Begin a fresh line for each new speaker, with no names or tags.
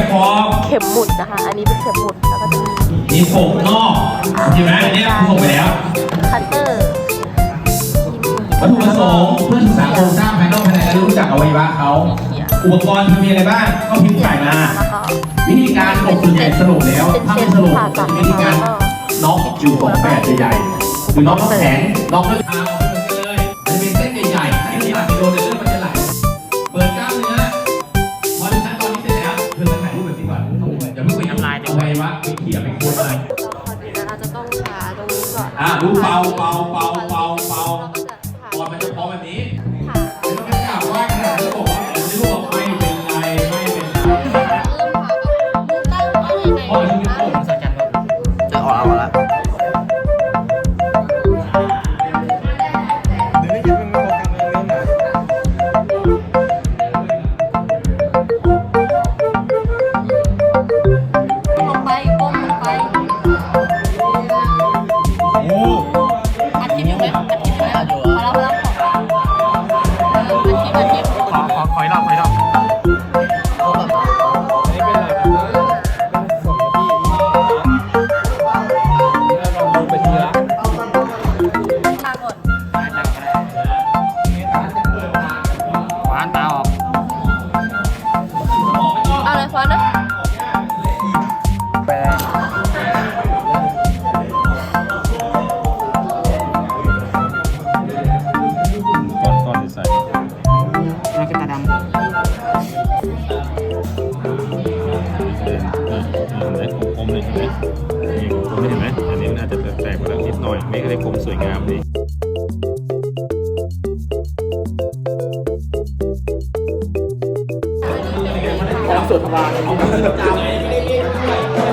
ขอบ
เข็มหมุดนะคะ อันนี้เป็นเข็มหมุดแล้วก็จะมี
โป่งนอกใช่ไหมอันนี้ส่งไปแล้ว
คัตเตอร์
วัตถุประสงค์เพื่อศึกษาโครงสร้างภายนอกภายในและรู้จักอวัยวะเขาอุปกรณ์มีอะไรบ้างก็พิมพ์ใส่มาวิธีการกบส่วนใหญ่สรุปแล้วถ้าไม่สรุปวิธีการน็อกอยู่สองแบบใหญ่ๆคือน็อกน้ำแข็งน็อกด้วยเท้าเลยมันเป็นเส้นใหญ่ๆที่หลักกิโลเลือดมันจะไหลเปิดกล้ามเนื้อพอถึงขั้นตอนนี้เสร็จแล้วเธอจะถ่ายรูปแบบนี้ก่อนอย่าเพิ่งไปน้ำลายเอาไว้วะเขี่ยไปโคตรเลย
เราจะต้องทาตรงนี้ก่อน
ดูเป่าก่อนมันจะพอแบบนี้ไม่ต้องไปกล่าวว่าขนาดนี้บอกว่าไม่รู้ว่าไม่เป็นไรไม่เป็นไรพอถึงเป็นผมสักกันจะออกเอาละขอยรอบตาออก
เอาเลยฟ้อนนะ
ไปก่อนใส่แล้วก็ตาดำคมเลยเห็นไหมนี่คมเห็นไหมอันนี้มันอาจจะแตกไปแล้วนิดหน่อยไม่ได้คมสวยงามดีความสวยทวาร